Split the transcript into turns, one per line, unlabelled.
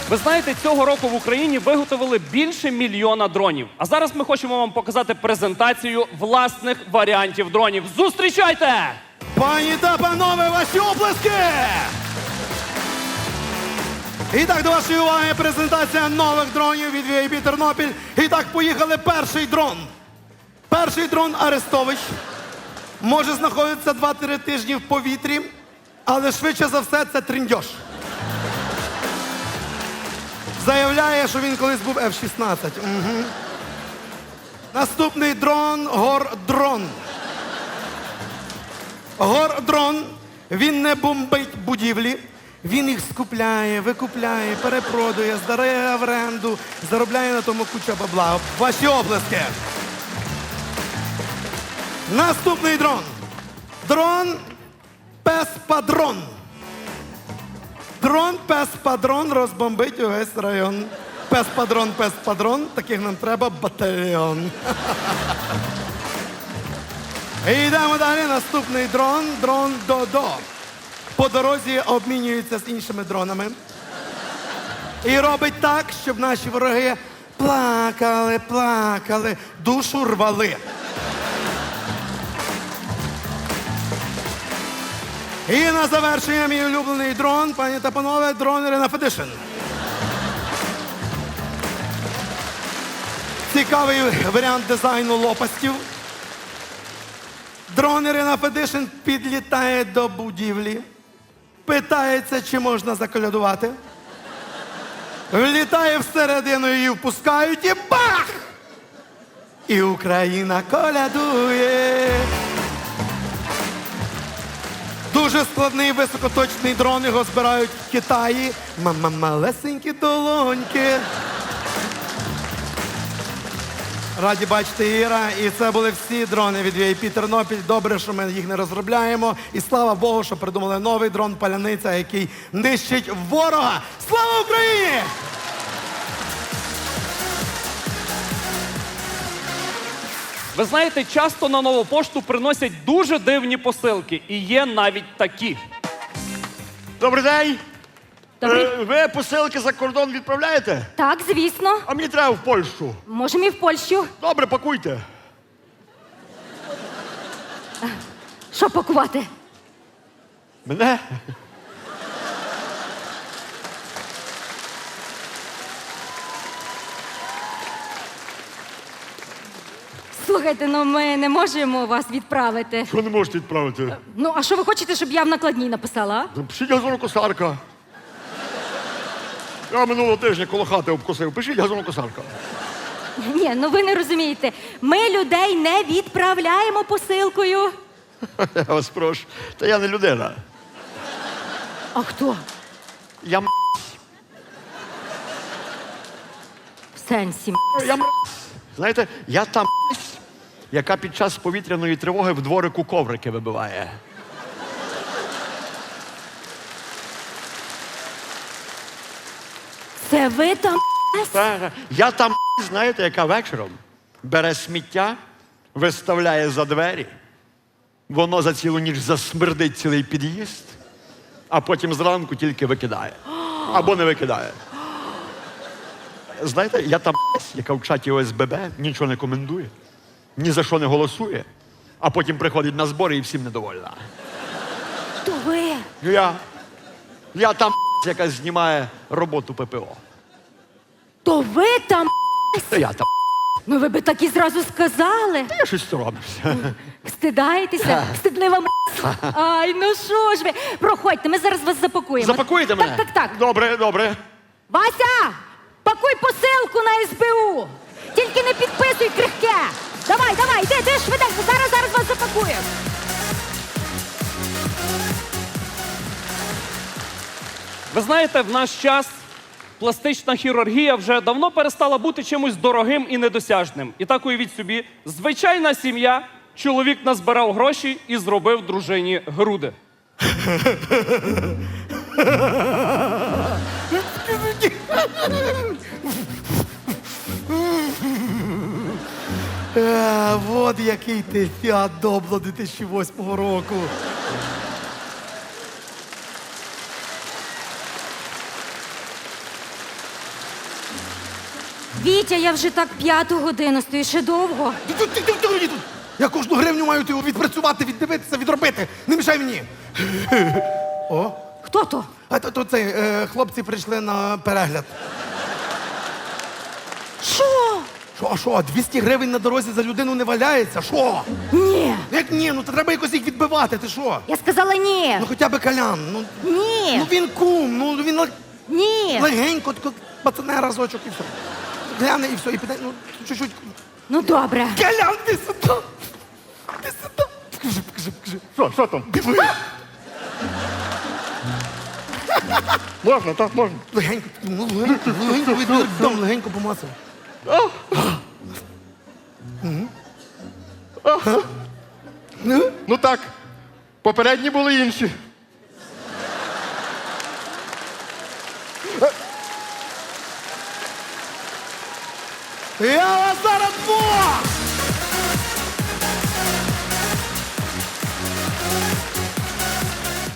Ви знаєте, цього року в Україні виготовили більше 1 мільйона дронів. А зараз ми хочемо вам показати презентацію власних варіантів дронів. Зустрічайте!
Пані та панове, ваші оплески! І так, до вашої уваги презентація нових дронів від VIP Тернопіль. І так, поїхали. Перший дрон. Перший дрон Арестович. Може знаходитися 2-3 тижні в повітрі, але швидше за все це триндьош. Заявляє, що він колись був F-16. Угу. Наступний дрон – Гордрон. Гордрон, він не бомбить будівлі, він їх скупляє, викупляє, перепродує, здає в оренду, заробляє на тому куча бабла. Ваші оплески. Наступний дрон. Дрон Пес-Падрон. Дрон Пес-Падрон розбомбить увесь район. Пес-Падрон, Пес-Падрон, таких нам треба батальйон. І йдемо далі. Наступний дрон. Дрон Додо. По дорозі обмінюється з іншими дронами. І робить так, щоб наші вороги плакали, плакали, душу рвали. І на завершення мій улюблений дрон, пані та панове, дрон Ірина Федишин. Цікавий варіант дизайну лопастів. Дрон Ірина Федишин підлітає до будівлі, питається, чи можна заколядувати. Влітає всередину, її впускають і бах! І Україна колядує. Дуже складний високоточний дрон, його збирають в Китаї. Малесенькі долоньки. Раді бачити, Іра. І це були всі дрони від VIP Тернопіль. Добре, що ми їх не розробляємо. І слава Богу, що придумали новий дрон «Паляниця», який нищить ворога. Слава Україні!
Ви знаєте, часто на нову пошту приносять дуже дивні посилки. І є навіть такі.
Добрий день.
Добрий.
Ви посилки за кордон відправляєте?
Так, звісно.
А мені треба в Польщу.
Можемо і в Польщу.
Добре, пакуйте.
Що пакувати?
Мене?
Слухайте, ну ми не можемо вас відправити.
Що не можете відправити?
Ну, а що ви хочете, щоб я в накладній написала? а?
Пишіть газонокосарка. Я минулого тижня коло хати обкосив. Пишіть газонокосарка.
Ні, ну ви не розумієте. Ми людей не відправляємо посилкою.
Я вас прошу. Та я не людина.
А хто?
Я м***.
В сенсі.
Я м***. Знаєте, я та м***, яка під час повітряної тривоги в дворику коврики вибиває.
Це ви там?
Я там, знаєте, яка вечором бере сміття, виставляє за двері, воно за цілу ніч засмердить цілий під'їзд, а потім зранку тільки викидає. Або не викидає. Знаєте, я там, яка в чаті ОСББ нічого не коментує, ні за що не голосує, а потім приходить на збори і всім недовольна.
То ви?
Я там, яка знімає роботу ППО.
То ви там?
Я там.
Ну ви би так і зразу сказали.
Я щось соромлюся.
Стидаєтеся? Стидлива м***. Ай, ну що ж ви? Проходьте, ми зараз вас запакуємо.
Запакуєте мене?
Так.
Добре, добре.
Вася, пакуй посилку на СБУ. Тільки не підписуй крихке. Давай, йди швиденько. Зараз вас запакуємо.
Ви знаєте, в наш час пластична хірургія вже давно перестала бути чимось дорогим і недосяжним. І так уявіть собі, звичайна сім'я, чоловік назбирав гроші і зробив дружині груди.
Вот який ти Фіат Добло 2008 року.
Вітя, я вже так 5-ту годину стою, ще довго.
Ти. Я кожну гривню маю відпрацювати, віддивитися, відробити. Не мішай мені. О,
Хто то?
а то цей, хлопці прийшли на перегляд.
Що?
Що, 200 гривень на дорозі за людину не валяється? Що?
Ні.
Як ні? Ну то треба якось їх відбивати, ти що?
Я сказала ні.
Ну хоча б Колян.
Ні.
Ну він кум, ну він
Ні.
легенько, тако пацане разочок і все. Гляне і все, і піде, ну чуть-чуть.
Ну добре.
Колян, ти сюди! Ти сюди! Покажи.
Що там?
Диви!
Можна, так, можна.
Легенько, ну легенько помацав.
Ну так, попередні були інші.
Я вас зараз двох!